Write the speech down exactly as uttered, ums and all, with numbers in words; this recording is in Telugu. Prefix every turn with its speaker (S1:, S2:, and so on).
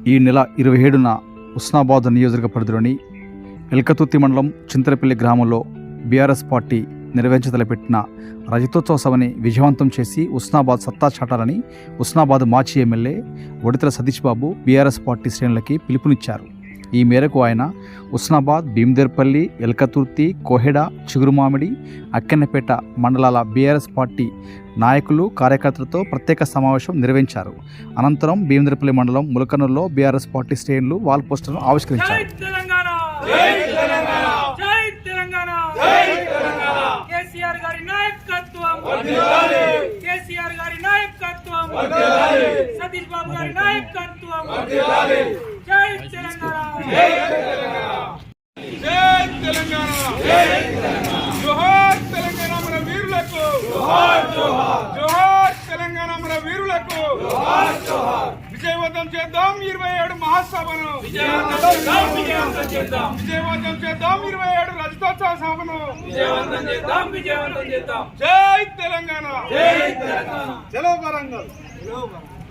S1: ఈ నెల ఇరవై ఏడున హుస్నాబాద్ నియోజకవర్గ పరిధిలోని ఎల్కతుర్తి మండలం చింతలపల్లి గ్రామంలో బీఆర్ఎస్ పార్టీ నిర్వహించతలపెట్టిన రజతోత్సవ సభని విజయవంతం చేసి హుస్నాబాద్ సత్తా చాటాలని హుస్నాబాద్ మాజీ MLA Odithala Satish Babu BRS party శ్రేణులకి పిలుపునిచ్చారు. ఈ మేరకు ఆయన హుస్నాబాద్, భీమదేర్పల్లి, ఎల్కతుర్తి, కోహెడ, చిగురుమామిడి, అక్కెన్నపేట మండలాల బీఆర్ఎస్ పార్టీ నాయకులు, కార్యకర్తలతో ప్రత్యేక సమావేశం నిర్వహించారు. అనంతరం భీమదేర్పల్లి మండలం ములకనూరులో బీఆర్ఎస్ పార్టీ శ్రేణులు వాల్ పోస్టర్ను ఆవిష్కరించారు.
S2: సతీష్ బాబు గారి నాయకత్వం జై తెలంగాణ జై తెలంగాణ జై తెలంగాణ జోహార్ తెలంగాణ మన వీరులకు జోహార్ జోహార్ జోహార్ తెలంగాణ మన వీరులకు జోహార్ జోహార్ విజయవంతం చేద్దాం ఇరవై ఏడు మహాసభను విజయవంతం విజయవంతం చేద్దాం విజయవంతం చేద్దాం ఇరవై ఏడు రజతోత్సవ సభను విజయవంతం చేద్దాం విజయవంతం చేద్దాం జై తెలంగాణ జై తెలంగాణ చలో వరంగల్ చలో వరంగల్